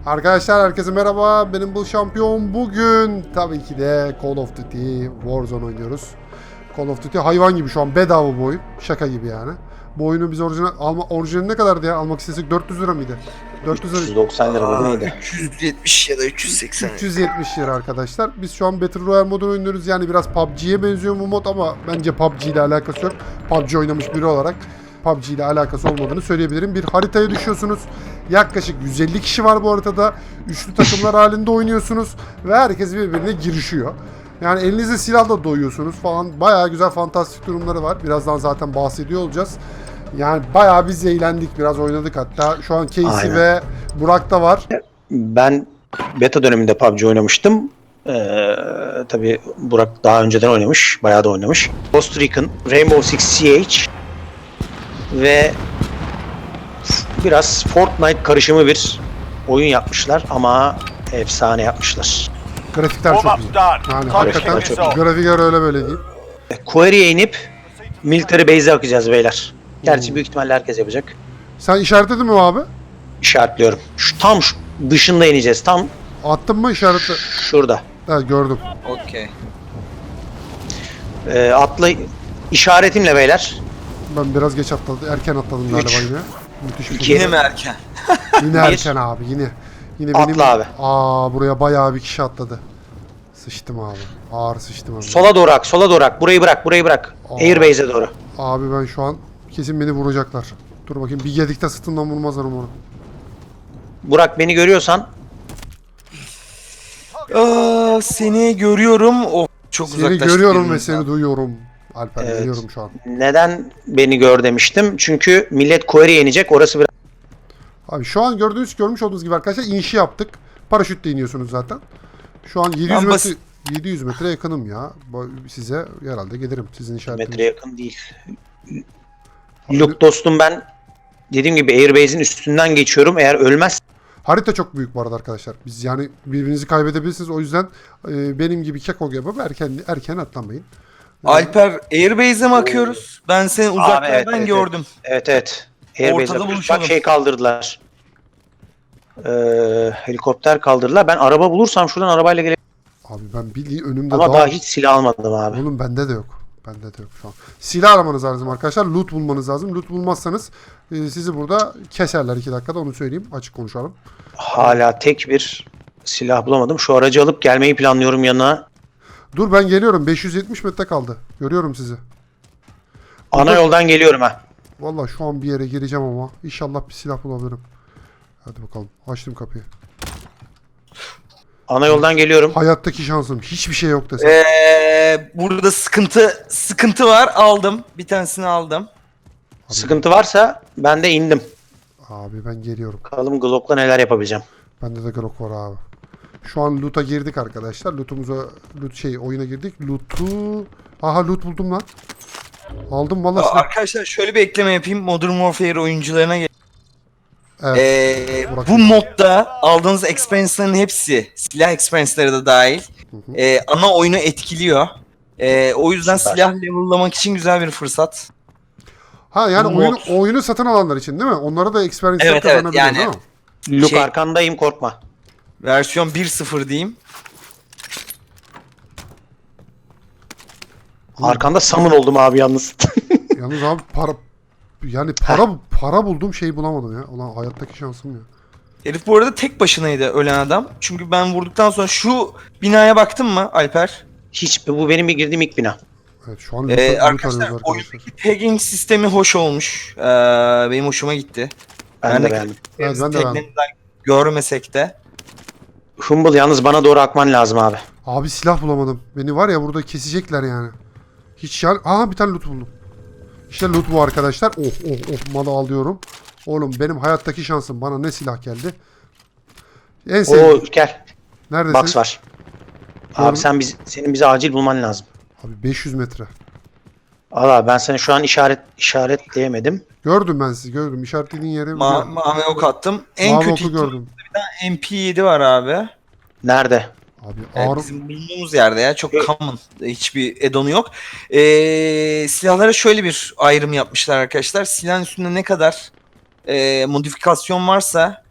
Arkadaşlar herkese merhaba. Benim bu şampiyon. Bugün tabii ki de Call of Duty Warzone oynuyoruz. Call of Duty hayvan gibi şu an bedava bu oyun. Şaka gibi yani. Bu oyunu biz orijinali ne kadardı ya? Almak istesek 400 lira mıydı? 400 lira. 390 lira mı neydi? 370 ya da 380. 370 lira arkadaşlar. Biz şu an Battle Royale modunu oynuyoruz. Yani biraz PUBG'ye benziyor bu mod ama bence PUBG ile alakası yok. PUBG oynamış biri olarak PUBG ile alakası olmadığını söyleyebilirim. Bir haritaya düşüyorsunuz. Yaklaşık 150 kişi var bu haritada. Üçlü takımlar halinde oynuyorsunuz ve herkes birbirine girişiyor. Yani elinizde silahla doyuyorsunuz falan. Bayağı güzel fantastik durumları var. Birazdan zaten bahsediyor olacağız. Yani bayağı biz eğlendik. Biraz oynadık hatta. Şu an Casey Aynen. ve Burak da var. Ben beta döneminde PUBG oynamıştım. Tabii Burak daha önceden oynamış. Bayağı da oynamış. Ghost Recon, Rainbow Six Siege ve biraz Fortnite karışımı bir oyun yapmışlar ama efsane yapmışlar. Grafikler çok güzel. Yani hakikaten grafikler öyle böyle değil. Quarry'e inip military base'e bakacağız beyler. Gerçi büyük ihtimalle herkes yapacak. Sen işaretledin mi abi? İşaretliyorum. Tam şu dışında ineceğiz. Tam Attın mı işaretle? şurada. Evet gördüm. Okey. Atla işaretimle beyler. Ben biraz geç atladım. Erken atladım galiba yine. Müthiş bir İki. şey. Yine mi erken? Yine Bir. erken abi yine. Yine benim. Atla abi. Buraya bayağı bir kişi atladı. Sıçtım abi. Ağır sıçtım abi. Sola doğru ak, sola doğru ak. Burayı bırak, burayı bırak. Aa. Airbase'e doğru. Abi ben şu an kesin beni vuracaklar. Dur bakayım bir yedikte sırtından vurmazlar umarım. Burak beni görüyorsan Seni görüyorum. Oh, çok Seni uzaklaştık görüyorum ve birbirimizden. seni duyuyorum. Alper Evet. geliyorum şu an. neden beni gör demiştim. Çünkü millet Quarry'e inecek. Orası biraz Abi şu an görmüş olduğunuz gibi arkadaşlar inişi yaptık. Paraşütle iniyorsunuz zaten. Şu an 700 Ben metre basit- 700 metre yakınım ya. Size herhalde gelirim sizin işaretiniz. metre yakın değil. Luke dostum ben dediğim gibi Airbase'in üstünden geçiyorum. Eğer ölmez Harita çok büyük bu arada arkadaşlar. Biz yani birbirinizi kaybedebilirsiniz. O yüzden benim gibi keko gibi erken atlamayın. Alper Airbase'e mi akıyoruz? Ben seni uzaklardan evet, gördüm. evet. Airbase'e Ortada bak buluşalım. şey kaldırdılar. Helikopter kaldırdılar. Ben araba bulursam şuradan arabayla gelebilirim. Abi ben bildiğin önümde Ama daha hiç silah almadım abi. Oğlum bende de yok. Bende de yok şu an. Silah aramanız lazım arkadaşlar. Loot bulmanız lazım. Loot bulmazsanız sizi burada keserler 2 dakikada onu söyleyeyim. Açık konuşalım. Hala tek bir silah bulamadım. Şu aracı alıp gelmeyi planlıyorum yanına. Dur ben geliyorum. 570 metre kaldı. Görüyorum sizi. Ana yoldan geliyorum ha. Vallahi şu an bir yere gireceğim ama inşallah bir silah bulabilirim. Hadi bakalım. Açtım kapıyı. Ana yoldan geliyorum. Hayattaki şansım. Hiçbir şey yok desem. Burada sıkıntı var. Aldım. Bir tanesini aldım. Sıkıntı varsa ben de indim. Abi ben geliyorum. Bakalım Glock'la neler yapabileceğim. Bende de Glock var abi. Şu an loot'a girdik arkadaşlar. Oyuna girdik. Aha loot buldum lan. Aldım vallahi silah. Arkadaşlar şöyle bir ekleme yapayım. Modern Warfare oyuncularına Evet. Burak bu modda aldığınız experience'ların hepsi, silah experience'ları da dahil, ana oyunu etkiliyor. O yüzden Süper. silah level'lamak için güzel bir fırsat. Ha yani Bu mod. oyunu satın alanlar için değil mi? Onlara da experience Evet, kazanabiliyor yani. değil mi? Luke Şey- arkandayım korkma. Versiyon 1.0 diyeyim. Arkanda summon oldum abi yalnız. Yalnız abi para bulduğum şeyi bulamadım ya. Ulan hayattaki şansım ya. Herif bu arada tek başınaydı ölen adam. Çünkü ben vurduktan sonra şu binaya baktın mı Alper? Hiç bu benim girdiğim ilk bina. Evet şu an loot arıyoruz Arkadaşlar arkadaşlar. oyundaki tagging sistemi hoş olmuş. Benim hoşuma gitti. Ben de de beğendim. Evet, ben de beğendim. taglerinden görmesek de. Humble yalnız bana doğru akman lazım abi. Abi silah bulamadım. Beni var ya burada kesecekler yani. Hiç yani. Aha bir tane loot buldum. İşte loot bu arkadaşlar. Malı alıyorum. Oğlum benim hayattaki şansım. Bana ne silah geldi? En Oo sevdiğim. gel. Neredesin? Box var. Gördüm. Abi senin bize acil bulman lazım. Abi 500 metre. Al abi ben seni şu an işaretleyemedim. Gördüm ben sizi gördüm. İşaretlediğin yere biliyorum. Mavi ok attım. En Mavi kötü oku gördüm. MP7 var abi. Nerede? Abi ağır. Bizim bulunduğumuz yerde ya. Çok common. Hiçbir add-on'u yok. Silahlara şöyle bir ayrım yapmışlar arkadaşlar. Silahın üstünde ne kadar modifikasyon varsa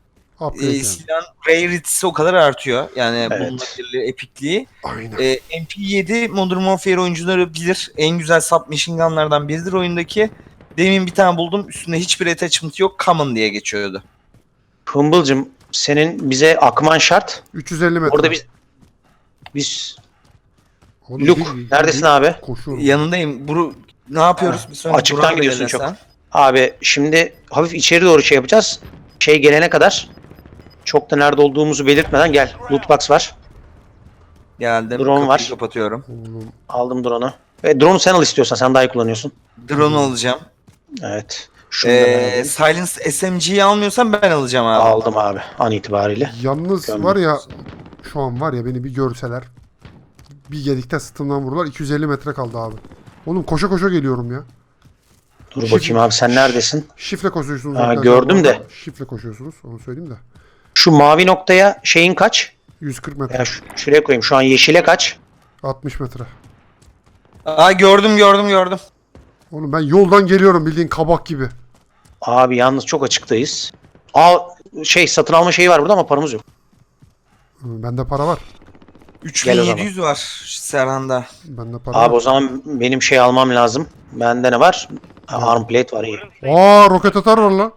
Upgrade yani. silahın rarity'si o kadar artıyor. Yani Evet. bulunabilirliği, epikliği. Aynen. MP7 Modern Warfare oyuncuları bilir. En güzel submachine gunlardan biridir oyundaki. Demin bir tane buldum. Üstünde hiçbir attachment yok. Common diye geçiyordu. Humble'cım senin bize akman şart. 350 metre. Orada biz Oğlum, Luke neredesin abi? Koşuyorum. Yanındayım. Ne yapıyoruz? Bir sonra Açıktan Burak'ı gidiyorsun belirlesen. çok. Abi şimdi hafif içeri doğru şey yapacağız. Şey gelene kadar çok da nerede olduğumuzu belirtmeden gel. Loot box var. Geldim. Drone Kapıyı var. kapatıyorum. Oğlum, Aldım drone'u. Ve drone'u sen al istiyorsan. Sen daha iyi kullanıyorsun. Drone alacağım. Evet. Şunu da ben alayım. Silence SMG'yi almıyorsan ben alacağım abi. Aldım abi an itibariyle. yalnız Gömdüm. var ya, şu an var ya, beni bir görseler, bir gedikte sırtımdan vururlar. 250 metre kaldı abi. Oğlum koşa koşa geliyorum ya. Dur bakayım abi sen neredesin? Şifre koşuyorsunuz. Ha, arkadaşlar gördüm bu arada. de. Şifre koşuyorsunuz, onu söyleyeyim de. Şu mavi noktaya şeyin kaç? 140 metre. Ya şuraya koyayım. Şu an yeşile kaç? 60 metre. Aa gördüm. Oğlum ben yoldan geliyorum bildiğin kabak gibi. Abi yalnız çok açıktayız. Şey satın alma şeyi var burada ama paramız yok. Bende para var. Gel o zaman. 3700 var Serhan'da. Bende para Abi o var. zaman benim şey almam lazım. Bende ne var? Arm plate var iyi. Aa, roket atar var lan.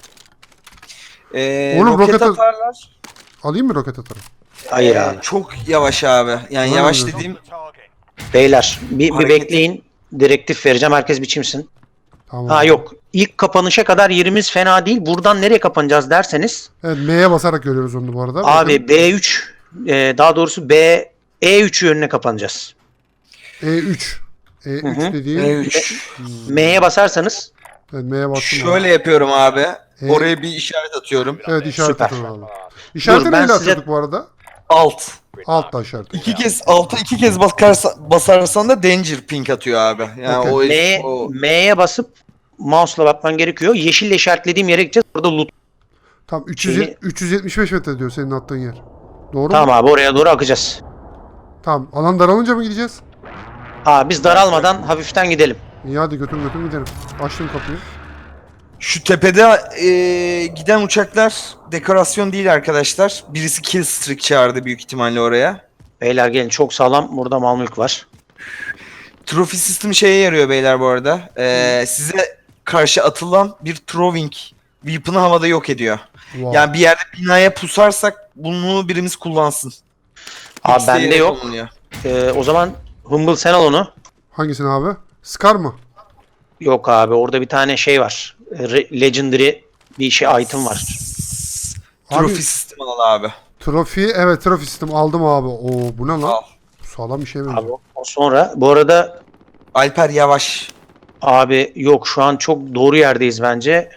Oğlum, Roket roket- atarlar. Alayım mı roket atarı? Hayır abi. Çok yavaş abi. Yani Var yavaş mı? dediğim Beyler bir Hareket- bekleyin. Direktif vereceğim. Herkes biçimsin. Tamam. Ha yok. İlk kapanışa kadar yerimiz fena değil. Buradan nereye kapanacağız derseniz. Evet, M'ye basarak görüyoruz onu bu arada. Abi Bakın, B3 daha doğrusu E3 yönüne kapanacağız. E3. E3 Hı hı. dediğin. E3. M'ye basarsanız Evet, M'ye bastım. Şöyle yapıyorum abi. E- Oraya bir işaret atıyorum. Evet, işaret Süper. atın abi. İşareti Dur, ben neyle size- atıyorduk bu arada? Alt. Altta işareti. İki kez basarsan da danger ping atıyor abi. Yani Okey. M'ye basıp mouse'la bakman gerekiyor. Yeşille işaretlediğim yere gideceğiz. Orada loot. Tam Şeyi- 375 metre diyor senin attığın yer. Doğru mu? Tamam abi oraya doğru akacağız. Tamam. Alan daralınca mı gideceğiz? Biz daralmadan hafiften gidelim. İyi, hadi götür gidelim. Açtım kapıyı. Şu tepede giden uçaklar dekorasyon değil arkadaşlar. Birisi kill streak çağırdı büyük ihtimalle oraya. Beyler gelin çok sağlam. Burada mal mülk var. Trophy system şeye yarıyor beyler bu arada. Size karşı atılan bir throwing weapon'ı havada yok ediyor. Wow. Yani bir yerde binaya pusarsak bunu birimiz kullansın. Abi İkisi de bende yere yok. konuluyor. O zaman Humble sen al onu. Hangisini abi? Scar mı? Yok abi orada bir tane şey var. Legendary bir şey item var. Trophy Abi- system al abi. Trofi, evet, trofi sistem aldım abi. Oo, bu ne lan? Al. Sağlam bir şey benziyor. Abi o sonra bu arada Alper yavaş. abi yok şu an çok doğru yerdeyiz bence.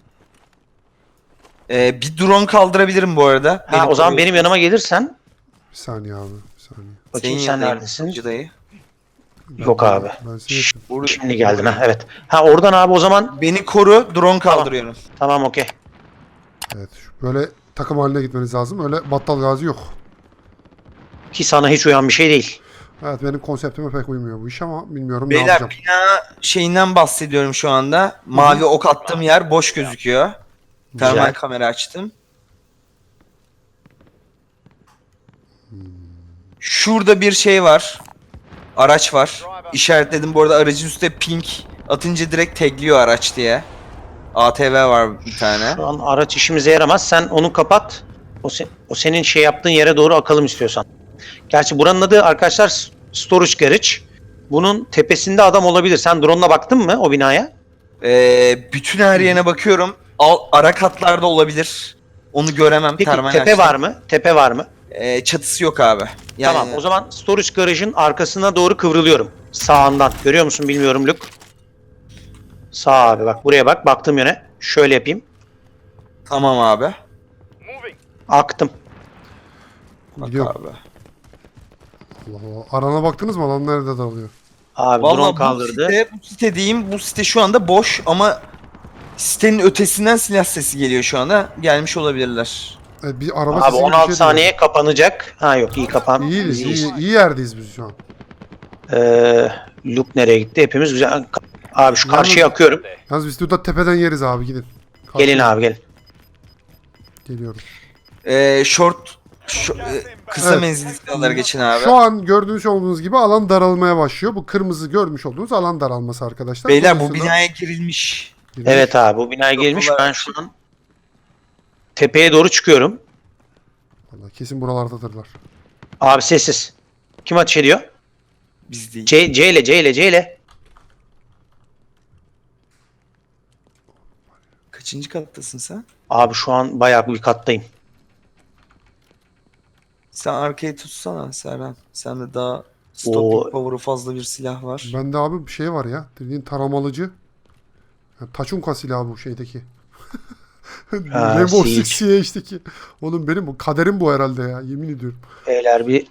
Bir drone kaldırabilirim bu arada. O zaman benim yanıma gelirsen Bir saniye abi. Bir saniye. bakayım sen neredesin? Dayı. Yok abi. Ben seni yapayım. Şimdi geldin ha evet. Oradan abi o zaman Beni koru, drone kaldırıyorum. tamam okey. Evet. Böyle takım haline gitmeniz lazım. Öyle battal gazi yok. Ki sana hiç uyan bir şey değil. Evet, benim konseptime pek uymuyor bu iş ama bilmiyorum ne Beyler yapacağım. bina şeyinden bahsediyorum şu anda. Mavi ok attığım yer boş gözüküyor. Termal Güzel. kamera açtım. Şurada bir şey var. Araç var. İşaretledim bu arada, aracın üstte pink atınca direkt tagliyor araç diye. ATV var bir tane. Şu an araç işimize yaramaz. Sen onu kapat. O senin şey yaptığın yere doğru akalım istiyorsan. Gerçi buranın adı arkadaşlar Storage Garage. Bunun tepesinde adam olabilir. Sen drone'la baktın mı o binaya? Bütün her yerine bakıyorum. Ara katlarda olabilir. Onu göremem. Peki termal tepe açtım. var mı? Tepe var mı? Çatısı yok abi. Yani, Tamam o zaman Storage Garage'ın arkasına doğru kıvrılıyorum. Sağından. Görüyor musun bilmiyorum Luke. Sağ abi bak buraya bak. Baktığım yöne. Şöyle yapayım. Tamam abi. Aktım. Bak Gidiyorum. abi. Allah Allah. Arana baktınız mı? Alan nerede dağılıyor? Abi drone Vallahi kaldırdı. bu site diyeyim, bu site şu anda boş ama sitenin ötesinden silah sesi geliyor şu anda. Gelmiş olabilirler. Evet, bir araba Abi sesi gibi bir 16 şey saniye kapanacak. Yok iyi kapan. duyuyorum. Biz İyiyiz. İyi yerdeyiz biz şu an. Luke nereye gitti? Hepimiz güzel. Abi şu karşıya akıyorum. Yalnız biz burada tepeden yeriz abi, gidin. Gelin abi gelin. Geliyorum. Kısa Evet. menzilli silahlara geçin abi. Şu an gördüğünüz olduğunuz gibi alan daralmaya başlıyor. Bu kırmızı görmüş olduğunuz alan daralması arkadaşlar. Beyler bu Dolayısıyla binaya girilmiş. girmiş. Evet abi bu binaya gelmiş. Kapılar Ben açık. şu an tepeye doğru çıkıyorum. Vallahi kesin buralardadırlar. Abi sessiz. Kim ateş ediyor? Biz değil. C ile. Kaçıncı kattasın sen? Abi şu an bayağı bir kattayım. Sen arkayı tutsana Serhan. Sende daha O- stopping power'ı fazla bir silah var. Bende abi bir şey var ya. Dediğin taramalıcı. Ya, Taçunka silahı bu şeydeki. Ha, Rainbow Siege. Six Siege'deki. Oğlum benim bu kaderim bu herhalde ya. Yemin ediyorum. Beyler bir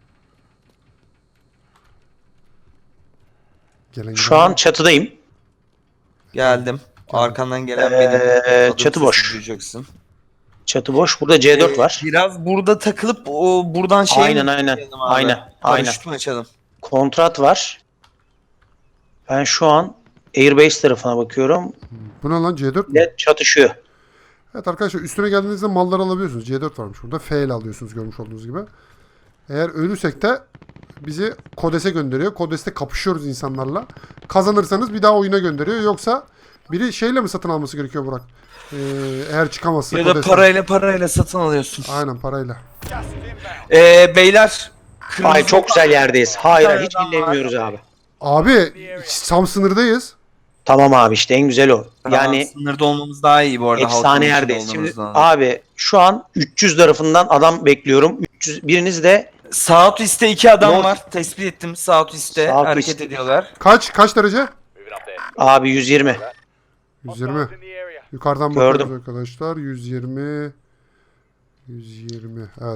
Gelen şu an çatıdayım. Geldim. Arkandan gelen Ee, benim. Adım çatı sesi boş. duyacaksın. Çatı boş. Burada C4 var. Biraz burada takılıp o buradan şey Aynen, mi aynen. yapalım abi? Aynen, aynen. Paraşüt mü açalım? Kontrat var. Ben şu an Airbase tarafına bakıyorum. Bu ne lan C4 mü? Ne çatışıyor. Evet arkadaşlar üstüne geldiğinizde malları alabiliyorsunuz. C4 varmış burada. F ile alıyorsunuz görmüş olduğunuz gibi. Eğer ölürsek de bizi Kodes'e gönderiyor. Kodes'te kapışıyoruz insanlarla. Kazanırsanız bir daha oyuna gönderiyor. Yoksa biri şeyle mi satın alması gerekiyor Burak? Eğer çıkamazsa Ya da Kodes'ten. parayla satın alıyorsun. Aynen parayla. Beyler. Ay çok güzel yerdeyiz. Hayır tane hiç adam var. dinlemiyoruz abi. Abi tam sınırdayız. Tamam abi işte en güzel o. Yani sınırda olmamız daha iyi bu arada. halkın efsane içinde yerdeyiz. Şimdi olmamızdan. abi şu an 300 tarafından adam bekliyorum. 300 biriniz de Southeast'te 2 adam North- var. Tespit ettim. Southeast'te Southeast. hareket ediyorlar. Kaç derece? abi 120. 120. Yukarıdan Gördüm. bakıyoruz arkadaşlar. 120. 120. Evet.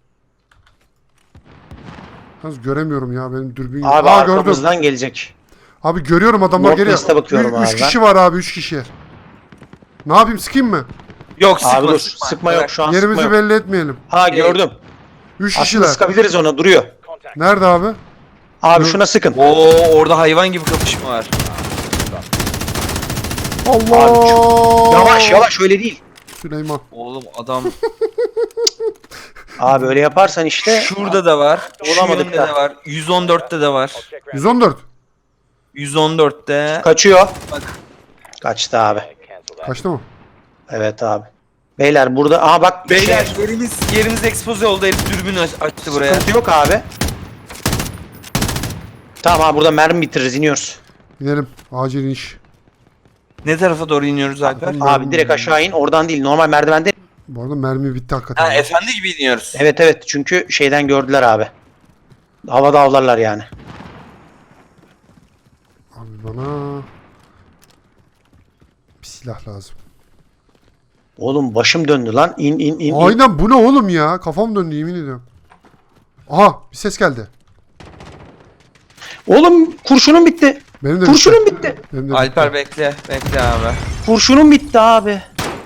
Yalnız göremiyorum ya benim dürbün yok. Abi Aa, gördüm. arkamızdan gelecek. Abi görüyorum adamlar geliyor. Northwest'e bakıyorum abi 3 ben. kişi var abi 3 kişi. Ne yapayım sıkayım mı? Yok sıkma Abi dur sıkma. sıkma Bırak. yok şu an Yerimizi sıkma yok. belli etmeyelim. Ha gördüm. 3 Aslında kişiler. sıkabiliriz ona duruyor. Nerede abi? Abi şuna sıkın. Oo orada hayvan gibi kapışma var. Allah! Yavaş öyle değil. Süleyman. Oğlum adam Abi öyle yaparsan işte şurada da var. Şu Olamadık yönde da. de var. 114'te de var. 114. 114'te. kaçıyor. Kaçtı abi. Kaçtı mı? Evet abi. Beyler burada aha bak Beyler şey, yerimiz expose oldu. Herif dürbün açtı buraya. sıkıntı yok abi. Tamam abi burada mermi bitiririz iniyoruz. Gidelim. Acil iniş. Ne tarafa doğru iniyoruz Alper? Abi direkt aşağı in oradan değil normal merdivende. Bu arada mermi bitti hakikaten. Ha efendi gibi iniyoruz. Evet çünkü şeyden gördüler abi. Havada avlarlar yani. Abi bana bir silah lazım. Oğlum başım döndü lan. İn. Aynen bu ne oğlum ya? Kafam döndü yemin ediyorum. Aha bir ses geldi. Oğlum kurşunum bitti. Benim de Kurşunum bitti. Benim de Alper bitti. bekle abi. Kurşunum bitti abi.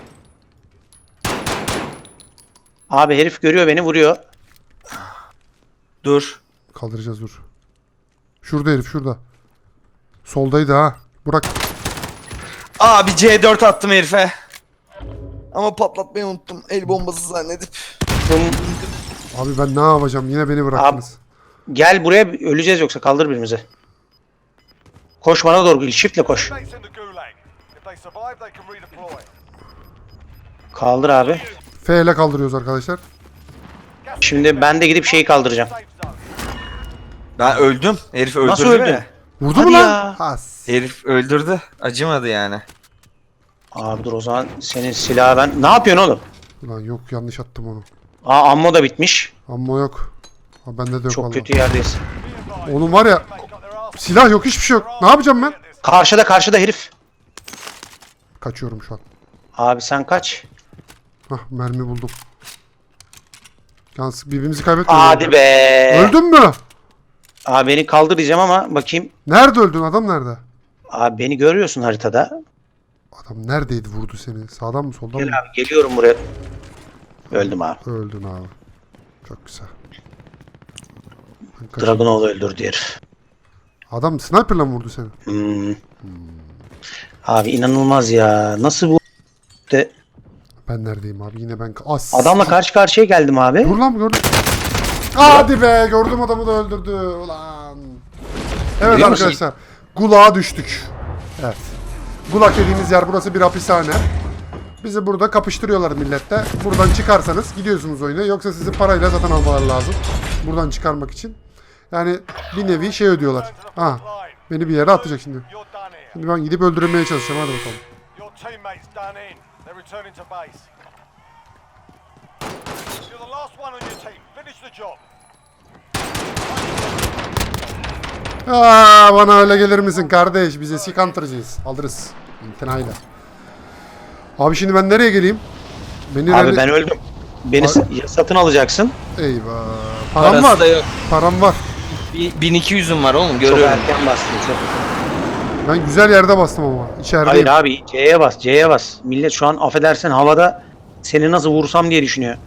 Abi herif görüyor beni vuruyor. Dur. Kaldıracağız dur. Şurada herif şurada. Soldaydı ha. Burak. Abi C4 attım herife. Ama patlatmayı unuttum. El bombası zannedip. Abi ben ne yapacağım? Yine beni bıraktınız. Gel buraya öleceğiz yoksa kaldır birimizi. Koş bana doğru shiftle koş. Kaldır abi. F ile kaldırıyoruz arkadaşlar. Şimdi ben de gidip şeyi kaldıracağım. Ben öldüm. Herif öldürdü Nasıl öldün? beni. Vurdu Hadi mu lan? ya. Has. Herif öldürdü. Acımadı yani. Abi dur o zaman senin silahı ben... Ne yapıyorsun oğlum? Ulan yok yanlış attım onu. Aa ammo da bitmiş. Ammo yok. Ha, bende de yok Çok vallahi. kötü yerdeyiz. Oğlum var ya silah yok hiçbir şey yok. Ne yapacağım ben? Karşıda herif. Kaçıyorum şu an. Abi sen kaç. Hah mermi buldum. Yalnız birbirimizi kaybetmeyelim. Hadi be. Öldün mü? Abi beni kaldır diyeceğim ama bakayım. Nerede öldün? Adam nerede? Abi beni görüyorsun haritada. Adam neredeydi vurdu seni? Sağdan mı soldan Gel mı? abi geliyorum buraya. Öldüm abi. Öldün abi. Çok güzel. Ben kaçayım. Dragunov öldürdü herif. Adam sniper'la mı vurdu seni? Abi inanılmaz ya. Nasıl bu de Ben neredeyim abi? Yine ben... As. Adamla karşı karşıya geldim abi. Dur lan gördüm. Hadi be gördüm adamı da öldürdü. Ulan. Evet Biliyor musun? arkadaşlar. Gulag'a düştük. Evet. Gulag dediğimiz yer burası bir hapishane. Bizi burada kapıştırıyorlar millette. Buradan çıkarsanız gidiyorsunuz oyuna. Yoksa sizi parayla satın almaları lazım. Buradan çıkarmak için. Yani bir nevi şey ödüyorlar. Ha, beni bir yere atacak şimdi. Şimdi ben gidip öldürmeye çalışacağım. Hadi bakalım. Your teammates done in. They're returning to base. You're the last one on your team. Finish the job. Aa, bana öyle gelir misin kardeş? Biz eski counter'cıyız. Alırız. İmtinayla. Abi şimdi ben nereye geleyim? Beni Abi ben öldüm. Beni ya satın alacaksın. Eyvah. Param Parası var. da yok. Param var. 1200'üm var oğlum Çok görüyorum. erken bastın çok. Ben güzel yerde bastım ama. İçerideyim. Hayır abi C'ye bas, C'ye bas. Millet şu an affedersen havada seni nasıl vursam diye düşünüyor.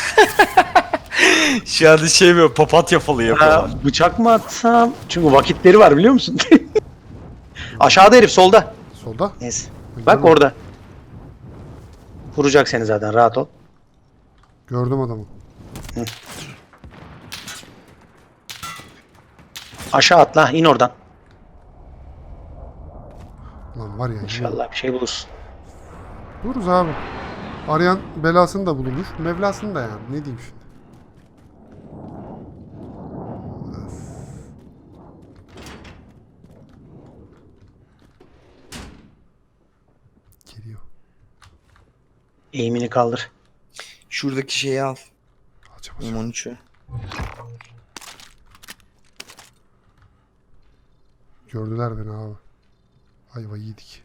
Şu anda şey böyle papatya falı Ha, bıçak mı atsam? Çünkü vakitleri var biliyor musun? Aşağıda herif solda. Solda. Neyse. Bak orada. Vuracak seni zaten rahat ol. Gördüm adamı. Aşağı atla in oradan. Lan var ya. İnşallah bir şey bulursun. Dururuz abi. Arayan belasını da bulunur. Mevlasını da yani. Ne diyeyim şimdi. Geliyor. Eğimini kaldır. Şuradaki şeyi al. Alacağım. M13'ü. Gördüler beni abi. Ayva yedik.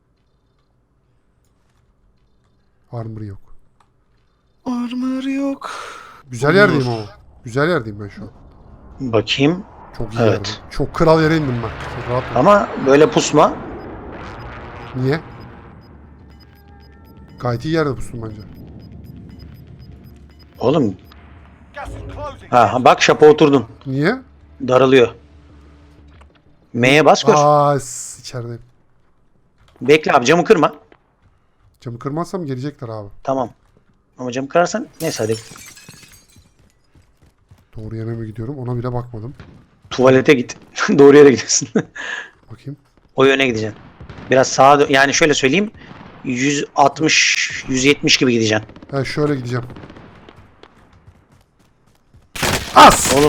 Armor yok. Armor yok. Güzel yerdeyim ama. Güzel yerdeyim ben şu an. Bakayım. Çok iyi Evet. yerdeyim. Çok kral yere indim ben. Çok rahat. Ama böyle pusma. Niye? Gayet iyi yerde pustum bence. Oğlum Gas is closing. ha bak şapa oturdun. Niye? Daralıyor. M'ye bas gör. İçerideyim. Bekle abi camı kırma. Camı kırmazsam gelecekler abi. Tamam. Ama camı kırarsan neyse hadi. Doğru yere mi gidiyorum? Ona bile bakmadım. Tuvalete git. Doğru yere gidiyorsun. Bakayım. O yöne gideceksin. Biraz sağa yani şöyle söyleyeyim. 160 170 gibi gideceksin. Ben şöyle gideceğim. As! Oğlum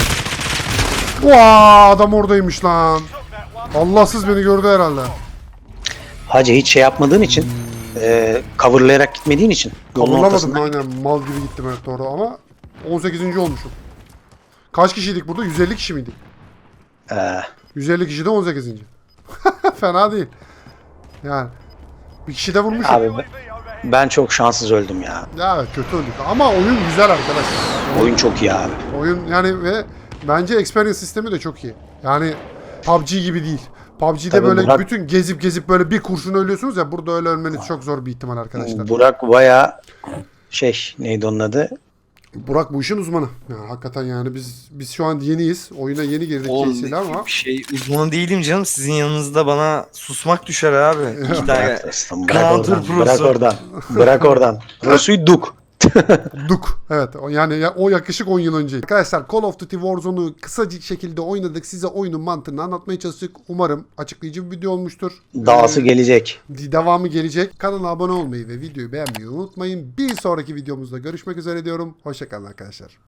Vaa, adam oradaymış lan. Allahsız beni gördü herhalde. hacı hiç şey yapmadığın için coverlayarak gitmediğin için yolun Kavurlamadım ortasında. aynen. Mal gibi gittim evet doğru ama 18. olmuşum. Kaç kişiydik burada? 150 kişi miydik? 150 kişi de 18. Fena değil. Yani bir kişi de vurmuşum. Abi ben çok şanssız öldüm ya. Ya evet, kötü öldük ama oyun güzel arkadaşlar. Oyun çok iyi abi. Oyun yani ve bence experience sistemi de çok iyi. Yani PUBG gibi değil. PUBG'de Tabii böyle Burak- bütün gezip böyle bir kurşun ölüyorsunuz ya, burada öyle ölmeniz çok zor bir ihtimal arkadaşlar. Burak baya neydi onun adı? Burak bu işin uzmanı. Yani hakikaten yani biz şu an yeniyiz. Oyuna yeni girdik кейsiyle ama Uzmanı değilim canım. Sizin yanınızda bana susmak düşer abi. İki tane. Bırak Counter oradan, bırak prosu. oradan. Bırak oradan. Prosu'yu duk. Duk. Evet yani o yakışık 10 yıl önce. Arkadaşlar Call of Duty Warzone'u kısacık şekilde oynadık. Size oyunun mantığını anlatmaya çalıştık. Umarım açıklayıcı bir video olmuştur. Dağısı gelecek. Devamı gelecek. Kanala abone olmayı ve videoyu beğenmeyi unutmayın. Bir sonraki videomuzda görüşmek üzere diyorum. Hoşçakalın arkadaşlar.